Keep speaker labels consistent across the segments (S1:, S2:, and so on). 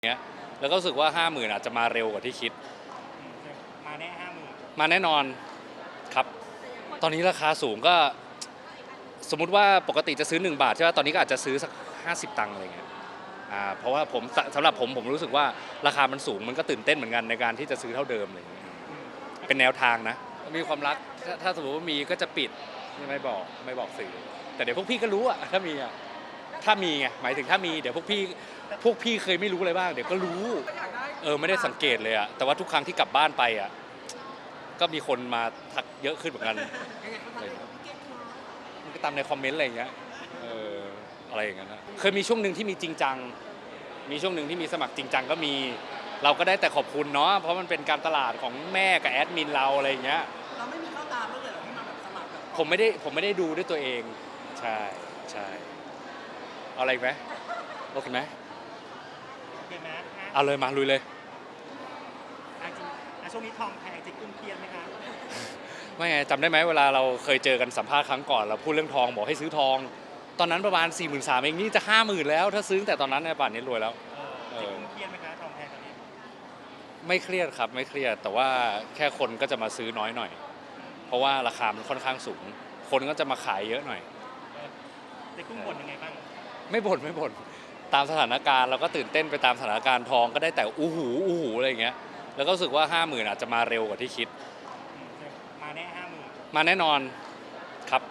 S1: เงี้ยแล้วก็รู้สึกว่า50,000อาจจะมาเร็วกว่าที่คิด
S2: มาแน่50,000
S1: มาแน่นอนครับตอนนี้ราคาสูงก็สมมุติว่าปกติจะซื้อ1 บาทใช่ไหมตอนนี้ก็อาจจะซื้อสัก50 ตังค์อะไรเงี้ยเพราะว่าสำหรับผมรู้สึกว่าราคามันสูงมันก็ตื่นเต้นเหมือนกันในการที่จะซื้อเท่าเดิมอะไรเงี้ยเป็นแนวทางนะมีความรักถ้าสมมติว่ามีก็จะปิดไม่บอกสื่อแต่เดี๋ยวพวกพี่ก็รู้อะถ้ามีไงหมายถึงถ้ามีเดี๋ยวพวกพี่เคยไม่รู้อะไรบ้างเดี๋ยวก็รู้ไม่ได้สังเกตเลยอะแต่ว่าทุกครั้งที่กลับบ้านไปอะก็มีคนมาทักเยอะขึ้นเหมือนกันมันก็ตามในคอมเมนต์อะไรอย่างเงี้ยอะไรอย่างเงี้ยนะเคยมีช่วงหนึ่งที่มีจริงจังมีช่วงหนึ่งที่มีสมัครจริงจังก็มีเราก็ได้แต่ขอบคุณเนาะเพราะมันเป็นการตลาดของแม่กับแอดมินเราอะไรอย่างเงี้ย
S2: เราไม่มีเข้าตามเมื่อไหร่ที่มาแบบสมัครแบบ
S1: ผมไม่ได้ดูด้วยตัวเองใช่เอาอะไรอีกไหมโอเคไหม
S2: โอเคไหม
S1: เอาเลยมาลุยเลย
S2: จริงช่วงนี้ทองแพงจริงกุ้งเครียดไหมคะ
S1: ไม่ไงจำได้ไหมเวลาเราเคยเจอกันสัมภาษณ์ครั้งก่อนเราพูดเรื่องทองบอกให้ซื้อทองตอนนั้นประมาณ 43,000 เองนี่จะ 50,000 แล้วถ้าซื้อแต่ตอนนั้นเนี่ยป่านนี้รวยแล้ว
S2: จริงกุ้งเครียดไหมคะทองแพงตอนนี้
S1: ไม่เครียดครับไม่เครียดแต่ว่าแค่คนก็จะมาซื้อน้อยหน่อยเพราะว่าราคามันค่อนข้างสูงคนก็จะมาขายเยอะหน่อย
S2: จริงกุ้งบ่นยังไงบ้าง
S1: ไม่บ่นตามสถานการณ์เราก็ตื่นเต้นไปตามสถานการณ์ทองก็ได้แต่อู้หูอะไรอย่างเงี้ยแล้วก็รู้สึกว่า 50,000อาจจะมาเร็วกว่าที่คิด
S2: มาแน่50,000
S1: มาแน่นอนครับ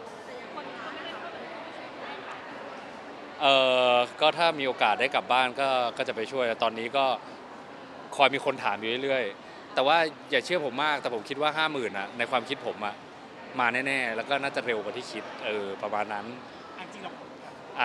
S1: ก็ถ้ามีโอกาสได้กลับบ้านก็จะไปช่วยตอนนี้ก็คอยมีคนถามอยู่เรื่อยๆแต่ว่าอย่าเชื่อผมมากแต่ผมคิดว่า 50,000นะในความคิดผมอะมาแน่ๆแล้วก็น่าจะเร็วกว่าที่คิดประมาณนั้น
S2: จริงเรา
S1: อ่ะ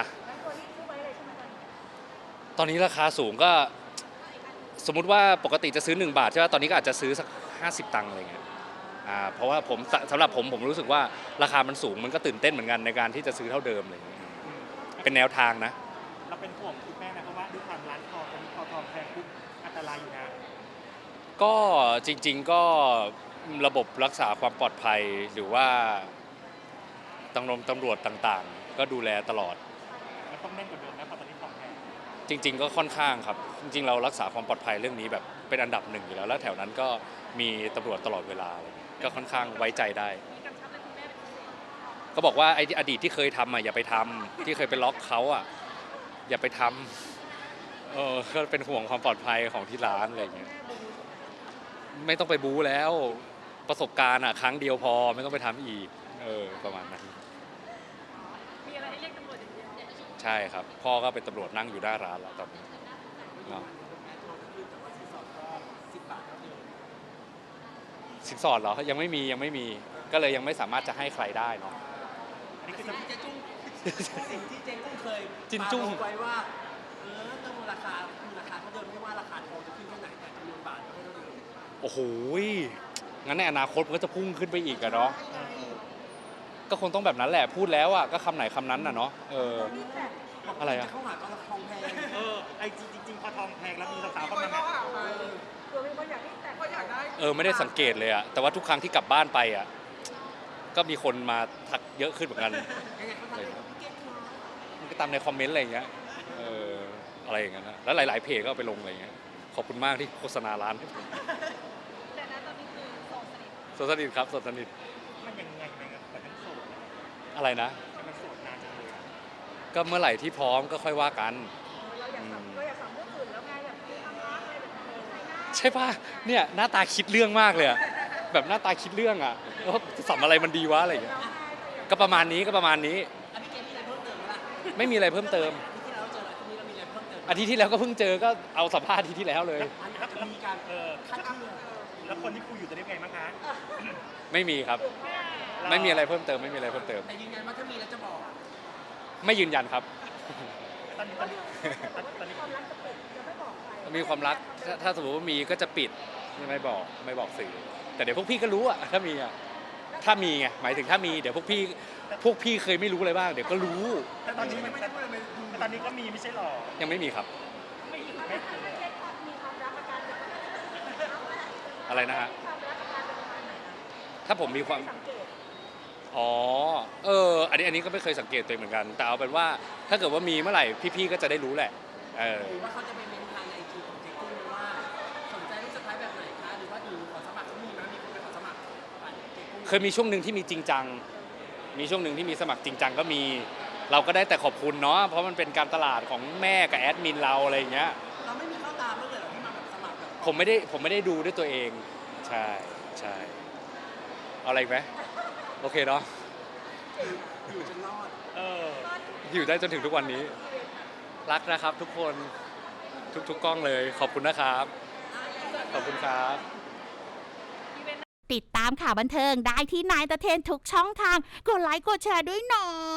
S1: ตอนนี้ราคาสูงก็สมมุติว่าปกติจะซื้อ1 บาทใช่ไหมตอนนี้ก็อาจจะซื้อสัก50 ตังค์อะไรเงี้ยเพราะว่าสำหรับผมรู้สึกว่าราคามันสูงมันก็ตื่นเต้นเหมือนกันในการที่จะซื้อเท่าเดิมอะไรเงี้ยเป็นแนวทางนะ
S2: เราเป็นห่วงคุณแม่นะเพราะว่าด้วยความร้านทองตอนนี้ทองแพงปุ๊บอันตรายอยู่นะ
S1: ก็จริงๆก็ระบบรักษาความปลอดภัยหรือว่าตำรวจต่างๆก็ดูแลตลอด
S2: มันต้องแน่นกว่าเดิมนะเพราะตอนนี้ทองแพง
S1: จริงๆก็ค่อนข้างครับจริงๆเรารักษาความปลอดภัยเรื่องนี้แบบเป็นอันดับหนึ่งอยู่แล้วแถวนั้นก็มีตำรวจตลอดเวลาก็ค่อนข้างไว้ใจได้ก็บอกว่าไอ้อดีตที่เคยทำอย่าไปทำที่เคยไปล็อกเขาอย่าไปทำก็เป็นห่วงความปลอดภัยของที่ร้านอะไรอย่างเงี้ยไม่ต้องไปบู๊แล้วประสบการณ์ครั้งเดียวพอไม่ต้องไปทำอีกประมาณนั้น
S3: มีอะไรให้เรียกตำรวจอย่างเดียว
S1: ใช่ครับพ่อก็เป็นตำรวจนั่งอยู่หน้าร้านแล้วตอนนี้เนาะสินสอดเหรอยังไม่มีก็เลยยังไม่สามารถจะให้ใครได้เนาะ
S2: นี่คือสิ่งที่เจ๊กุ้งเคย
S1: จินจุ้ง
S2: ไว้ว่าต้องราคาเท่าเดิมไม่ว่าราคาทองจะขึ้นแค่ไหนแต่จำนวนบาทก็เท่าเดิม
S1: โอ้โหงั้นในอนาคตมันก็จะพุ่งขึ้นไปอีกอะเนาะก็คงต้องแบบนั้นแหละพูดแล้วก็คำไหนคำนั้นน่ะเนาะอะไรอะ
S2: เข้าหาตอนทองแพงไอ้จริงพอทองแพงแล้วมีสาวๆเข้ามา
S1: ไม่ได้สังเกตเลยอะแต่ว่าทุกครั้งที่กลับบ้านไปก็มีคนมาทักเยอะขึ้นเหมือนกันมันก็ตามในคอมเมนต์อะไรอย่างเงี้ยอะไรอย่างเงี้ยนะแล้วหลายๆเพจก็เอาไปลงอะไรอย่างเงี้ยขอบคุณมากที่โฆษณาร้านให้ผม
S3: แต่ณตอนนี้คือ
S1: โสดสนิทครับโสดสนิท
S2: มันยังไงครับแต่มันโสด
S1: อะไรนะ
S2: มันโสดนานจังเลย
S1: ก็เมื่อไหร่ที่พร้อมก็ค่อยว่ากัน
S3: เราอยากสัมเรื่องอื่นแล้วไงแบบทำร้านอะไรแบบ
S1: ใช่ป่ะเนี่ยหน้าตาคิดเรื่องมากเลยแบบหน้าตาคิดเรื่องจะสัมอะไรมันดีวะอะไรอย่างเงี้ยก็ประมาณนี้ไม่มีอะไรเพิ่มเติมอาทิตย์ที่แล้วก็เพิ่งเจอก็เอาสัมภาษณ์อาทิตย์ที่แล้วเลย
S2: แล้วมีการคัดเลือกแล้วคนที่คุยอยู่จะได้ไงบ้างคะ
S1: ไม่มีครับไม่มีอะไรเพิ่มเติมแต่
S2: ยืนยันว่าถ้ามีแล้วจะบอก
S1: ไม่ยืนยันครับ
S2: ตอนนี้
S1: มีความรักถ้าสมมติว่ามีก็จะปิดไม่บอกสื่อแต่เดี๋ยวพวกพี่ก็รู้ถ้ามีไงหมายถึงถ้ามีเดี๋ยวพวกพี่เคยไม่รู้อะไรบ้างเดี๋ยวก็รู้
S2: แต่ตอนนี้ก็มีไม่ใช่หรอ
S1: ยังไม่มีครับอะไรนะฮะถ้าผมมีความอันนี้ก็ไม่เคยสังเกตตัวเองเหมือนกันแต่เอาเป็นว่าถ้าเกิดว่ามีเมื่อไหร่พี่ๆก็จะได้รู้แหละ
S2: หรือว่าเขาจะไปเมนทางในไอจีของ
S1: เคยมีช่วงหนึ่งที่มีจริงจังมีช่วงหนึ่งที่มีสมัครจริงจังก็มีเราก็ได้แต่ขอบคุณเนาะเพราะมันเป็นการตลาดของแม่กับแอดมินเราอะไรอย่างเงี้ย
S2: เราไม่มีเข้าตามบ้างเลยเหรอที่มาแบบสมัครแบบ
S1: ผมไม่ได้ดูด้วยตัวเองใช่ใช่เอาอะไรอีกไหมโอเคเนาะ
S2: อยู่จนรอด
S1: อยู่ได้จนถึงทุกวันนี้ รักนะครับทุกคนทุกกล้องเลยขอบคุณนะครับ ขอบคุณครับ
S4: ติดตามข่าวบันเทิงได้ที่นายตะเทนทุกช่องทาง กดไลค์กดแชร์ด้วยเนาะ